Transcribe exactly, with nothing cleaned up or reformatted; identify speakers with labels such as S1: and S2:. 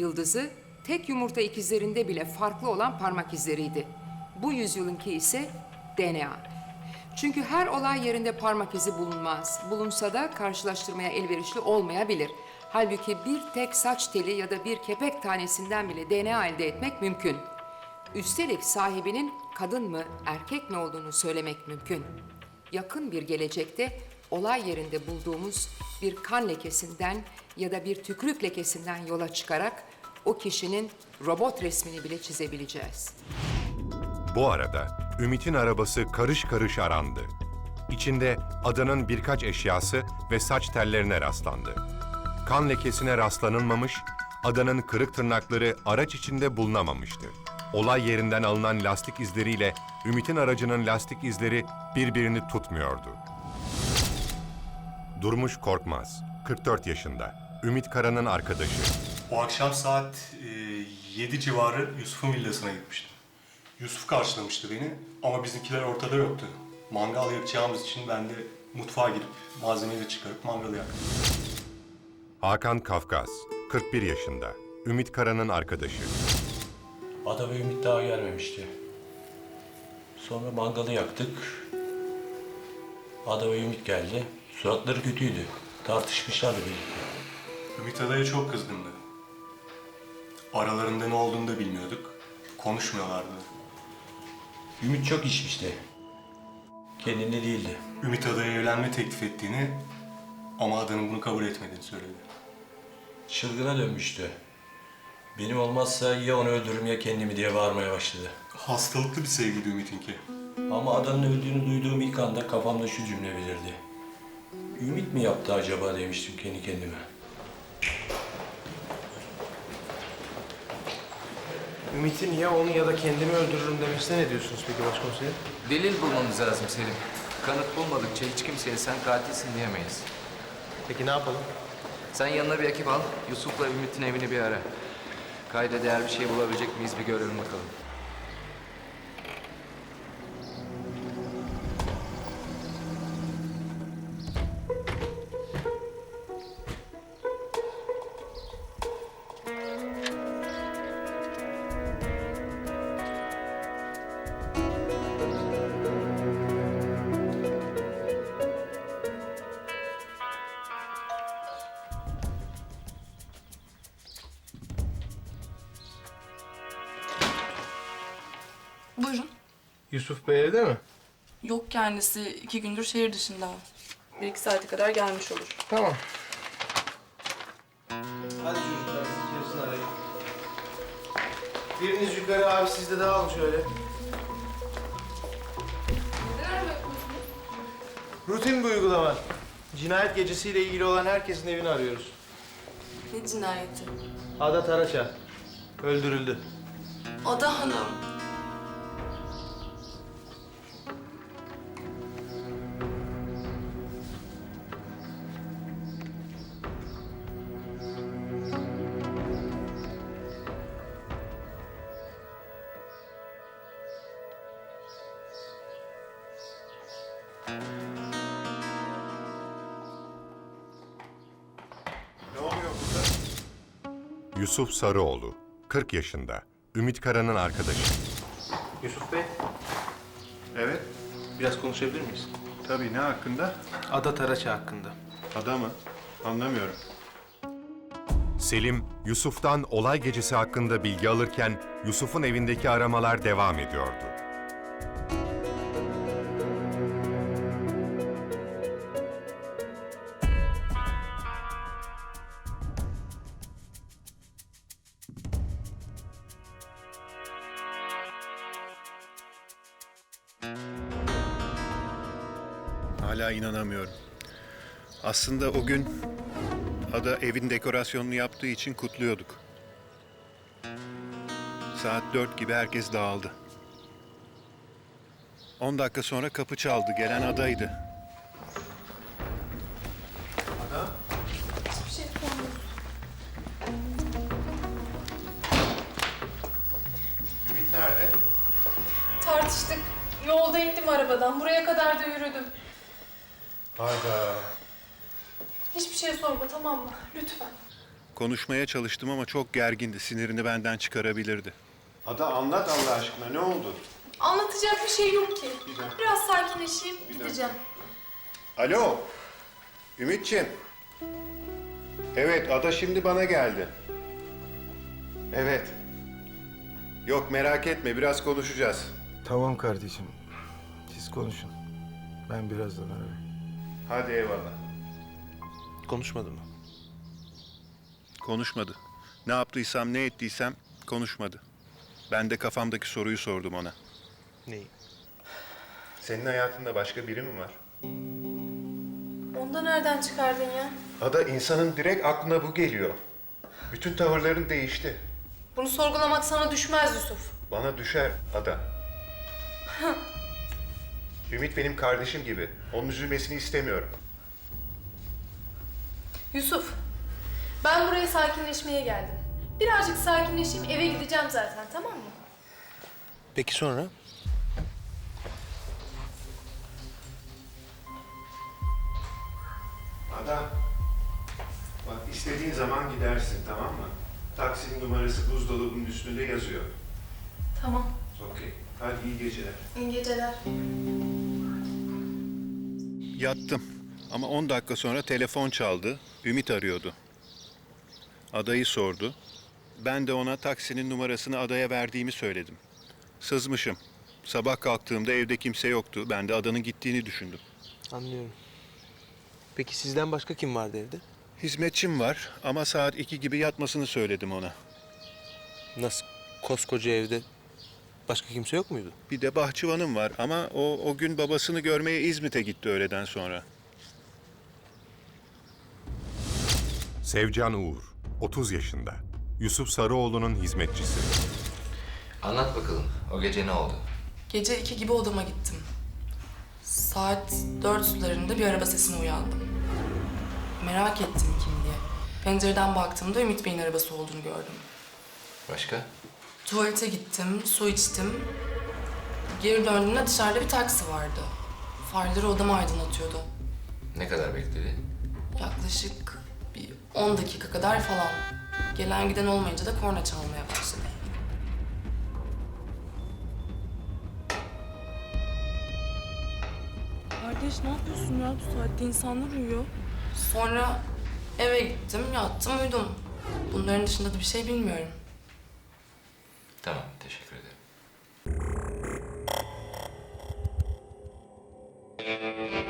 S1: yıldızı tek yumurta ikizlerinde bile farklı olan parmak izleriydi. Bu yüzyılınki ise D N A. Çünkü her olay yerinde parmak izi bulunmaz. Bulunsa da karşılaştırmaya elverişli olmayabilir. Halbuki bir tek saç teli ya da bir kepek tanesinden bile D N A elde etmek mümkün. Üstelik sahibinin kadın mı, erkek mi olduğunu söylemek mümkün. Yakın bir gelecekte olay yerinde bulduğumuz bir kan lekesinden ya da bir tükürük lekesinden yola çıkarak o kişinin robot resmini bile çizebileceğiz.
S2: Bu arada Ümit'in arabası karış karış arandı. İçinde adanın birkaç eşyası ve saç tellerine rastlandı. Kan lekesine rastlanılmamış, adanın kırık tırnakları araç içinde bulunamamıştı. Olay yerinden alınan lastik izleriyle Ümit'in aracının lastik izleri birbirini tutmuyordu. Durmuş Korkmaz, kırk dört yaşında, Ümit Kara'nın arkadaşı.
S3: O akşam saat e, yedi civarı Yusuf'un villasına gitmiştim. Yusuf karşılamıştı beni ama bizimkiler ortada yoktu. Mangal yakacağımız için ben de mutfağa girip malzemeyi de çıkarıp mangalı yaktım.
S2: Hakan Kafkas, kırk bir yaşında, Ümit Kara'nın arkadaşı.
S4: Ada ve Ümit daha gelmemişti. Sonra mangalı yaktık. Ada ve Ümit geldi. Suratları kötüydü. Tartışmışlardı birlikte.
S3: Ümit Ada'ya çok kızgındı. Aralarında ne olduğunu da bilmiyorduk. Konuşmuyorlardı.
S4: Ümit çok içmişti. Kendinde değildi.
S3: Ümit Ada'ya evlenme teklif ettiğini ama Ada'nın bunu kabul etmediğini söyledi.
S4: Çılgına dönmüştü. Benim olmazsa ya onu öldürürüm ya kendimi diye bağırmaya başladı.
S3: Hastalıklı bir sevgiydi Ümit'inki.
S4: Ama Adanın öldüğünü duyduğum ilk anda kafamda şu cümle belirdi. Ümit mi yaptı acaba demiştim kendi kendime.
S5: Ümit'in ya onu ya da kendimi öldürürüm demesine ne diyorsunuz peki başkomiserim?
S6: Delil bulmamız lazım Selim. Kanıt bulmadıkça hiç kimseye sen katilsin diyemeyiz.
S5: Peki ne yapalım?
S6: Sen yanına bir ekip al, Yusuf'la Ümit'in evini bir ara. Kayda değer bir şey bulabilecek miyiz bir görelim bakalım.
S7: Buyurun.
S5: Yusuf Bey evde mi?
S7: Yok kendisi iki gündür şehir dışında. Bir iki saate kadar gelmiş olur.
S5: Tamam. Hadi çocuklar siz içerisini arayın. Biriniz yukarı abi siz de dağılın şöyle. Rutin bir uygulama. Cinayet gecesiyle ilgili olan herkesin evini arıyoruz.
S7: Ne cinayeti?
S5: Ada Taraça. Öldürüldü.
S7: Ada Hanım.
S2: Yusuf Sarıoğlu, kırk yaşında, Ümit Kara'nın arkadaşı.
S5: Yusuf Bey,
S8: Evet,
S5: biraz konuşabilir miyiz?
S8: tabii. Ne hakkında?
S5: Ada Taraça hakkında.
S8: Ada mı? Anlamıyorum.
S2: Selim, Yusuf'tan olay gecesi hakkında bilgi alırken Yusuf'un evindeki aramalar devam ediyordu.
S8: Hala inanamıyorum. Aslında o gün Ada evin dekorasyonunu yaptığı için kutluyorduk. Saat dört gibi herkes dağıldı. On dakika sonra kapı çaldı. Gelen Ada'ydı.
S5: Ada?
S7: Hiçbir şey yapamıyorum.
S5: Ümit nerede?
S9: Tartıştık. Yolda indim arabadan. Buraya kadar da yürüdüm.
S5: Hayda.
S9: Hiçbir şey sorma tamam mı? Lütfen.
S8: Konuşmaya çalıştım ama çok gergindi. Sinirini benden çıkarabilirdi.
S5: Ada anlat Allah aşkına ne oldu?
S9: Anlatacak bir şey yok ki. Biraz sakinleşeyim, gideceğim.
S8: Alo, Ümitciğim. Evet, Ada şimdi bana geldi. Evet. Yok merak etme, biraz konuşacağız.
S10: Tamam kardeşim. Siz konuşun. Ben birazdan ararım.
S8: Hadi eyvallah.
S5: Konuşmadı mı?
S8: Konuşmadı. Ne yaptıysam, ne ettiysem konuşmadı. Ben de kafamdaki soruyu sordum ona.
S5: Neyi?
S8: Senin hayatında başka biri mi var?
S9: Onu da nereden çıkardın ya?
S8: Ada, insanın direkt aklına bu geliyor. Bütün tavırların değişti.
S9: Bunu sorgulamak sana düşmez Yusuf.
S8: Bana düşer Ada. Ümit benim kardeşim gibi. Onun üzülmesini istemiyorum.
S9: Yusuf, ben buraya sakinleşmeye geldim. Birazcık sakinleşeyim, eve gideceğim zaten, tamam mı?
S5: Peki sonra?
S8: Ada, bak istediğin zaman gidersin, tamam mı? Taksinin numarası buzdolabının üstünde yazıyor.
S9: Tamam,
S8: Okey. Hadi iyi geceler.
S9: iyi geceler.
S8: Yattım ama on dakika sonra telefon çaldı. Ümit arıyordu. Adayı sordu. Ben de ona taksinin numarasını Adaya verdiğimi söyledim. Sızmışım. Sabah kalktığımda evde kimse yoktu. Ben de Adanın gittiğini düşündüm.
S5: Anlıyorum. Peki sizden başka kim vardı evde?
S8: Hizmetçim var ama saat iki gibi yatmasını söyledim ona.
S5: Nasıl? Koskoca evde başka kimse yok muydu?
S8: Bir de bahçıvanım var ama o, o gün babasını görmeye İzmit'e gitti öğleden sonra.
S2: Sevcan Uğur, otuz yaşında. Yusuf Sarıoğlu'nun hizmetçisi.
S6: Anlat bakalım, o gece ne oldu?
S7: Gece iki gibi odama gittim. Saat dört sularında bir araba sesine uyandım. Merak ettim kim diye. Pencereden baktığımda Ümit Bey'in arabası olduğunu gördüm.
S6: Başka?
S7: Tuvalete gittim, su içtim. Geri döndüğümde dışarıda bir taksi vardı. Farları odamı aydınlatıyordu.
S6: Ne kadar bekledi?
S7: Yaklaşık bir on dakika kadar falan. Gelen giden olmayınca da korna çalmaya başladı. Kardeş ne yapıyorsun ya? Bu saatte insanlar uyuyor. Sonra eve gittim, yattım, uyudum. Bunların dışında da bir şey bilmiyorum.
S6: Tamam, teşekkür ederim.